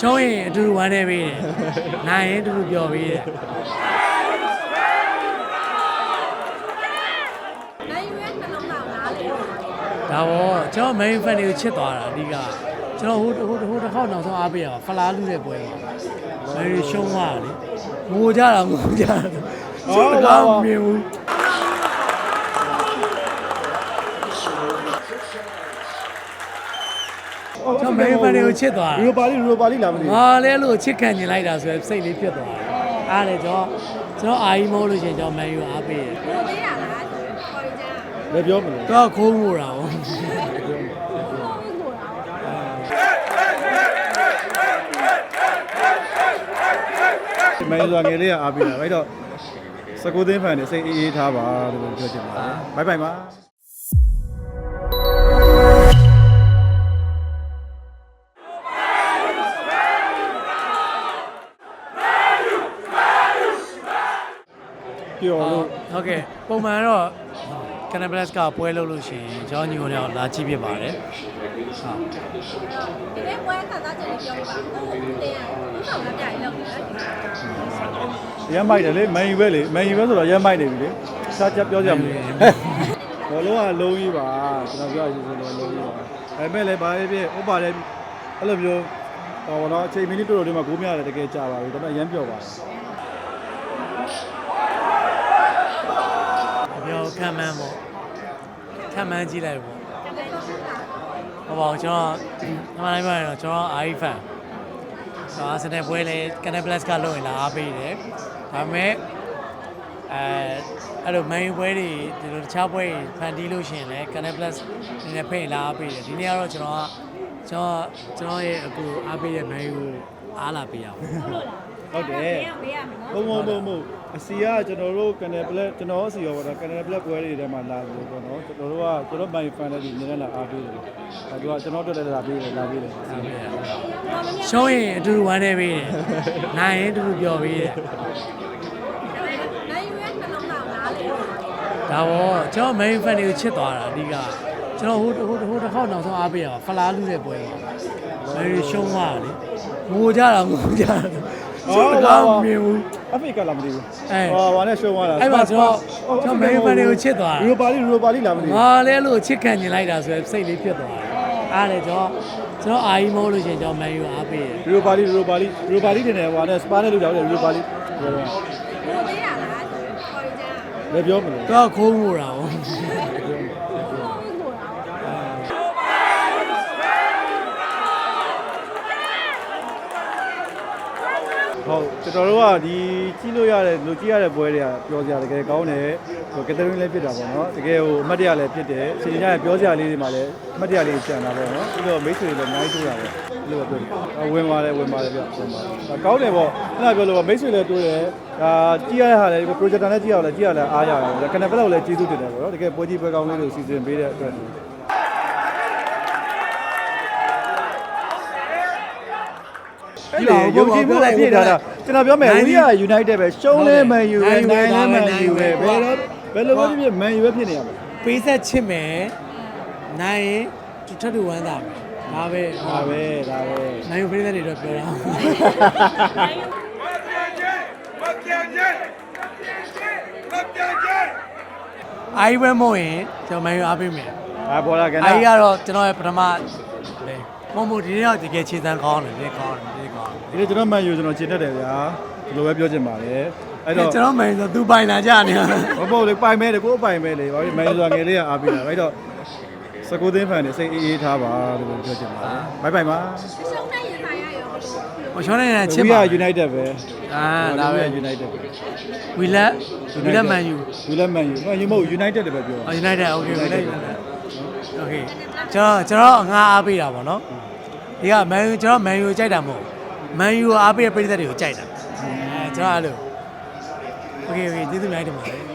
ရှုံးရင်အတူတူဝမ်းနေပေးတယ်နိုင်ရင်အတူတူပျော်ပေးတယ်ဒါပေါ့ကျွန်တော် main fan တွေကိုချစ်သွားတာအဓိကကျွန်တော်ဟိုတစ်ခေါက်နောက်ဆုံးအားပေးရပါဖလားလူတဲ့ပွဲပါမယ်ရီရှုံးသွားတယ်ငိုကြတာကျွန်တော်ကမြင်ဘူးကျွန်တော် main fan တွေကိုချစ်သွားတာရိုပါလီလာမသိဘူးငါလည်းအဲ့လိုချစ်ခံကျင်လိုက်တာဆိုရင်စိတ်လေးဖြစ်သွားတယ်အားလည်းကျွန်တော်အာကြီးမဟုတ်လို့ရှိရင်ကျွန်တော် man ယူအားပေးတယ်ကိုသေးတာလားခေါ်ရကြလည်းပြောမလို့တော့ခိုးမှုတာဗောမင်းတို့ငယ်လေးကအားပေးတာအဲ့တော့19သိန်းဖန်နေစိတ်အေးထားပါလို့ပြောချင်ပါတယ်ဘိုင်ပါပြောလို့ဟုတ်ကဲ့ပုံမှန်တော့ Canal Plus ကပွဲလုပ်လို့ရှိရင်ကျွန်တော်ညီကိုလည်းလာကြည့်ဖြစ်ပါတယ်ဒီနေ့ပွဲခါသားချက်လေးပြောပြပါဦးကိုတင်ရဦးဆောင်လက်ပြရေးလုပ်နေတာရမ်းမိုက်တယ်လေမန်ယူပဲလေမန်ယူပဲဆိုတော့ရမ်းမိုက်နေပြီလေစားချက်ပြောကြမလို့ဘောလုံးကလုံးကြီးပါကျွန်တော်ပြောရရင်ဆိုတော့လုံးကြီးပါဒါပေမဲ့လည်းဘာဖြစ်ဥပပါလည်းအဲ့လိုမျိုးဟောတော့အချိန်မိနစ်တော်တော်တွေမှာဂိုးမရတယ်တကယ်ကြာပါပြီဒါပေမဲ့ရမ်းပြောပါတယ်ပြောခံမှန်းပေါ့ခံမှန်းကြည့်လိုက်ပေါ့ဟုတ်ပါဘူးကျွန်တော်အမှန်တိုင်းပြောရင်တော့ကျွန်တော် AI fan အာဆင်နယ်ပွဲလေ Canal Plus ကလုပ်ရင်လာအားပေးတယ်ဒါပေမဲ့အဲ့လို main ပွဲတွေဒီလိုတခြားပွဲတွေဖန်တီးလို့ရှိရင်လည်း Canal Plus နည်းနည်းဖိတ်လာအားပေးတယ်ဒီနေ့ကတော့ကျွန်တော်ရဲ့အခုအားပေးတဲ့ main ကိုအားလာပေးရအောင်ဟုတ်တယ်ဘုံအစီကကျွန်တော်တို့ Canal Plus ကျွန်တော်အစီရောပေါ့နော် Canal Plus ပွဲတွေထဲမှာလာလို့ပေါ့နော်ကျွန်တော်တို့ကကျွန်တော် my fan တွေနည်းနည်းလာအားပေးတယ်ဒါကကျွန်တော်တို့လည်းလာပေးတယ်ရှုံးရင်အတူတူဝမ်းနေပေးတယ်နိုင်ရင်အတူတူပျော်ပေးတယ်ဒါပေါ့ကျွန်တော် main fan တွေကိုချစ်သွားတာအဓိကကျွန်တော်ဟိုတစ်ခေါက်နောက်ဆုံးအားပေးရပါဖလားလူတဲ့ပွဲပါမယ်ရီရှုံးသွားတယ်ငိုကြတာကျွန်တော်ကမြင်ဘူးအဖေကလာမသိဘူးဟောနဲ့ရှုံးသွားတာအဲ့မှာကျွန်တော် main fan တွေကိုချစ်သွားတာရိုပါလီလာမသိဘူးငါလည်းအဲ့လိုချစ်ခံကျင်လိုက်တာဆိုရင်စိတ်လေးဖြစ်သွားတယ်အားလည်းကျွန်တော်အာကြီးမဟုတ်လို့ရှိရင်ကျွန်တော် man ယူအားပေးတယ်ရိုပါလီတင်တယ်ဟိုနဲ့စပါးနဲ့လောက်တယ်ရိုပါလီပြောတော့ကိုသေးတာလားခေါ်ရကြလည်းပြောမလို့တော့ခိုးမှုတာဗောဟုတ်ကျွန်တော်တို့ကဒီကြီးလို့ရတဲ့လူကြီးရတဲ့ပွဲတွေကပြောစရာတကယ်ကောင်းတယ်ဟိုကက်သရင်းလည်းဖြစ်တာပေါ့နော်တကယ်ဟိုအမတ်တရလည်းဖြစ်တယ်စီညာရဲ့ပြောစရာလေးတွေမှာလည်းအမတ်တရလေးကျန်တာပေါ့နော်ပြီးတော့မိတ်ဆွေတွေလည်းအများကြီးတွေ့ရတယ်အဲ့လိုပဲပြောဝင်ပါတယ်ဗျဝင်ပါတယ်ကောင်းတယ်ပေါ့အဲ့ဒါပြောလို့မိတ်ဆွေလည်းတွေ့တယ်ဒါကြီးရတဲ့ဟာလည်း projector နဲ့ကြီးရအောင်လည်းကြီးရလည်းအားရတယ် Canal Plus ကိုလည်းကျေးဇူးတင်တယ်ပေါ့နော်တကယ်ပွဲကြီးပွဲကောင်းလေးတွေစီစဉ်ပေးတဲ့အတွက်ဒီလိုယုံကြည်မှုအပြည့်ထားတာကျွန်တော်ပြောမယ်ဝီးယာ United ပဲရှုံးလဲMan Uပဲနိုင်လဲMan Uပဲဘယ်လိုပဲဖြစ် Man U ပဲဖြစ်နေရမယ်ပေးဆက်ချစ်မယ်နိုင်ရင်ထပ်တူဝမ်းသာမယ်ဒါပဲနိုင်ယူပေးတဲ့တွေတော့ပြောတာအိုင်ဝဲမို့ရင်ကျွန်တော်မန်ယူအားပေးမယ်ပေါ်လာကန်အိုင်ကတော့ကျွန်တော်ရဲ့ပထမလေမမို့ဒီနေ့တော့တကယ်ခြေစမ်းကောင်းတယ်ကောင်းတယ်ဒီနေ့ကျွန်တော် Man U ကျွန်တော်ခြေတက်တယ်ဗျာဒီလိုပဲပြောချင်ပါတယ်အဲ့တော့ကျွန်တော် Man U ဆိုသူပိုင်လာကြနေဟုတ်လေပိုင်မဲတယ်ကိုယ်ပိုင်မဲလေဘာဖြစ် Man U ဆိုငယ်လေးကအားပေးတာအဲ့တော့19သိန်းဖန်နေစိတ်အေးထားပါလို့ပြောချင်ပါတယ်ဘိုင်ပါရှုံးနိုင်ရင်ပါရရောဟိုရှုံးနိုင်ရင်ချစ်ပါ United ပဲဒါပဲ United ပဲဝီလက် Man U မဟုတ် United တယ်ပဲပြော United okay okay ကျွန်တော်ငါအားပေးတာပေါ့နော်ဒီက Man U ကျွန်တော် Man U ကြိုက်တာမဟုတ် Man U အားပေးတဲ့ပြည်သက်တွေကိုကြိုက်တာကျွန်တော်အဲ့လို okay ကျေးဇူးများတင်ပါတယ်